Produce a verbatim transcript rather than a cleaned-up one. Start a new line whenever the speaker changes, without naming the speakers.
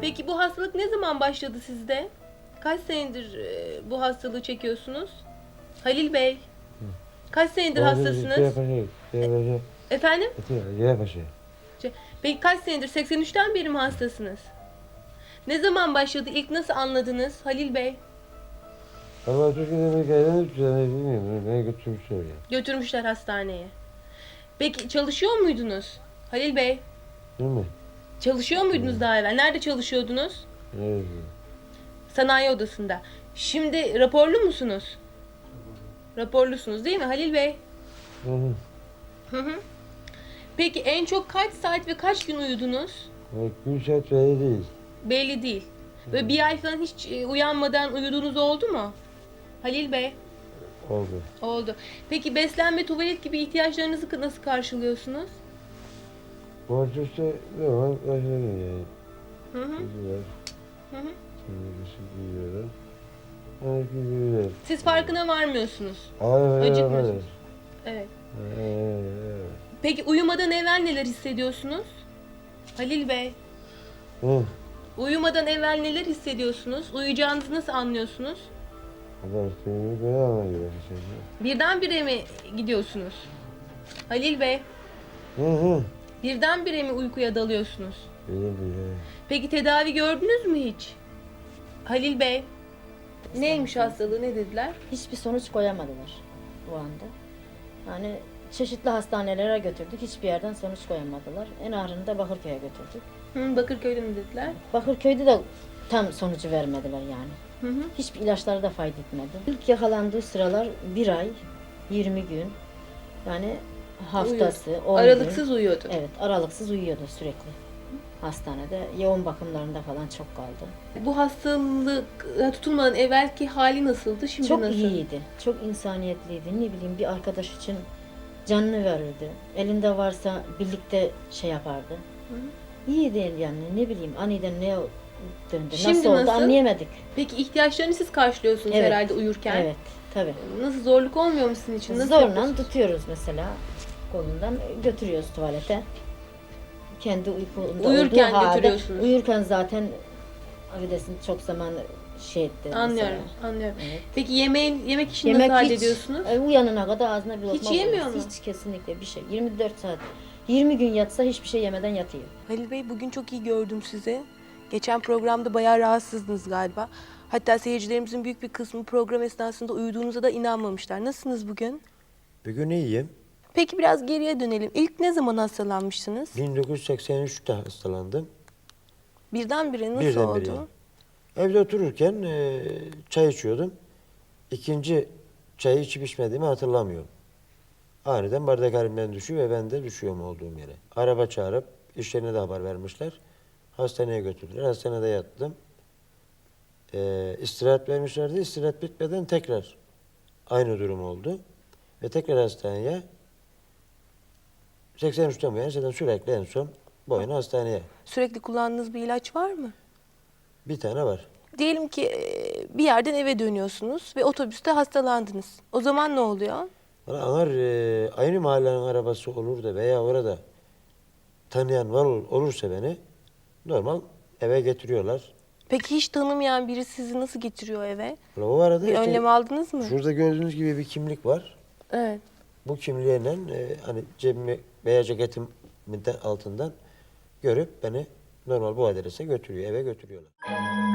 Peki bu hastalık ne zaman başladı sizde? Kaç senedir e, bu hastalığı çekiyorsunuz? Halil Bey. Kaç senedir hastasınız? Efendim? Şey, Peki kaç senedir? seksen üçten beri mi hastasınız? Ne zaman başladı? İlk nasıl anladınız Halil Bey?
Ama Türkiye'de bir gelene üç sene bilmiyorum. Beni götürmüşler ya.
Götürmüşler hastaneye. Peki çalışıyor muydunuz? Halil Bey,
Değil mi?
çalışıyor muydunuz daha evvel? Nerede çalışıyordunuz?
Evet.
Sanayi odasında. Şimdi raporlu musunuz? Raporlusunuz değil mi Halil Bey?
Hı hı.
Hı hı. Peki en çok kaç saat ve kaç gün uyudunuz?
Bak gün saat belli değil.
Belli değil. Böyle bir ay falan hiç e, uyanmadan uyuduğunuz oldu mu? Halil Bey,
Oldu.
oldu. Peki beslenme, tuvalet gibi ihtiyaçlarınızı nasıl karşılıyorsunuz?
Borç işte normal başladım yani.
Hı hı.
Gidiyorlar.
Hı hı.
Şimdi dışı gidiyorlar. Hani gidiyorlar.
Siz farkına varmıyorsunuz.
Hayır hayır
Acıkmıyorsunuz.
hayır.
Evet.
Evet.
Peki uyumadan evvel neler hissediyorsunuz? Halil Bey,
Hı.
uyumadan evvel neler hissediyorsunuz? Uyuyacağınızı nasıl anlıyorsunuz?
Kadar seni böyle anlıyor işte.
Birdenbire mi gidiyorsunuz? Halil Bey,
Hı hı.
birdenbire mi uykuya dalıyorsunuz?
Öyle bir
Peki tedavi gördünüz mü hiç? Halil Bey, neymiş hastalığı, ne dediler?
Hiçbir sonuç koyamadılar bu anda. Yani çeşitli hastanelere götürdük. Hiçbir yerden sonuç koyamadılar. En ağırını da Bakırköy'e götürdük.
Hı, Bakırköy'de mi dediler?
Bakırköy'de de tam sonucu vermediler yani.
Hı hı.
Hiçbir ilaçları da fayda etmedi. İlk yakalandığı sıralar bir ay, yirmi gün. Yani haftası, on
Aralıksız
gün.
uyuyordu.
Evet, aralıksız uyuyordu sürekli. Hastanede yoğun bakımlarında falan çok kaldı.
Bu hastalık tutulmadan evvelki hali nasıldı, şimdi
Çok
nasıl?
iyiydi. Çok insaniyetliydi. Ne bileyim bir arkadaş için canını verirdi. Elinde varsa birlikte şey yapardı.
Hı.
İyiydi yani ne bileyim aniden ne döndü.
Şimdi
nasıl oldu
nasıl?
anlayamadık.
Peki ihtiyaçlarını siz karşılıyorsunuz
Evet.
herhalde uyurken.
Evet tabii.
Nasıl, zorluk olmuyor mu sizin için? Nasıl
Zorla
yapıyorsunuz?
tutuyoruz mesela kolundan götürüyoruz tuvalete. Kendi uykunda
Uyurken
olduğu halde,
götürüyorsunuz.
uyurken zaten affedersin çok zaman şey etti.
Anlıyorum,
mesela.
anlıyorum.
Evet.
Peki yemeğin, yemek işini
Yemek
nasıl
hiç,
hallediyorsunuz?
e, uyanana kadar ağzına bir lokma
Hiç yemiyor
koyuyoruz.
mu?
Hiç kesinlikle bir şey. yirmi dört saat. yirmi gün yatsa hiçbir şey yemeden yatıyor.
Halil Bey, bugün çok iyi gördüm sizi. Geçen programda bayağı rahatsızdınız galiba. Hatta seyircilerimizin büyük bir kısmı program esnasında uyuduğunuza da inanmamışlar. Nasılsınız bugün?
Bugün iyiyim.
Peki biraz geriye dönelim. İlk ne zaman hastalanmıştınız?
bin dokuz yüz seksen üçte hastalandım.
Birdenbire nasıl
Birdenbire.
oldu?
Evde otururken e, çay içiyordum. İkinci çayı içip içmediğimi hatırlamıyorum. Aniden bardak elimden düşüyor ve ben de düşüyorum olduğum yere. Araba çağırıp işlerine de haber vermişler. Hastaneye götürdüler. Hastanede yattım. E, istirahat vermişlerdi. İstirahat bitmeden tekrar aynı durum oldu. Ve tekrar hastaneye seksen üçten bu yana zaten sürekli en son bu yana hastaneye.
Sürekli kullandığınız bir ilaç var mı?
Bir tane var.
Diyelim ki e, bir yerden eve dönüyorsunuz ve otobüste hastalandınız. O zaman ne oluyor?
Bana anar e, aynı mahallenin arabası olur da veya orada tanıyan var ol- olursa beni normal eve getiriyorlar.
Peki hiç tanımayan biri sizi nasıl getiriyor eve?
Ulan o arada
Bir
işte
önlem aldınız mı?
şurada gördüğünüz gibi bir kimlik var.
Evet.
Bu kimliğiyle e, hani cebimi veya ceketimin de altından görüp beni normal bu adrese götürüyor, eve götürüyorlar.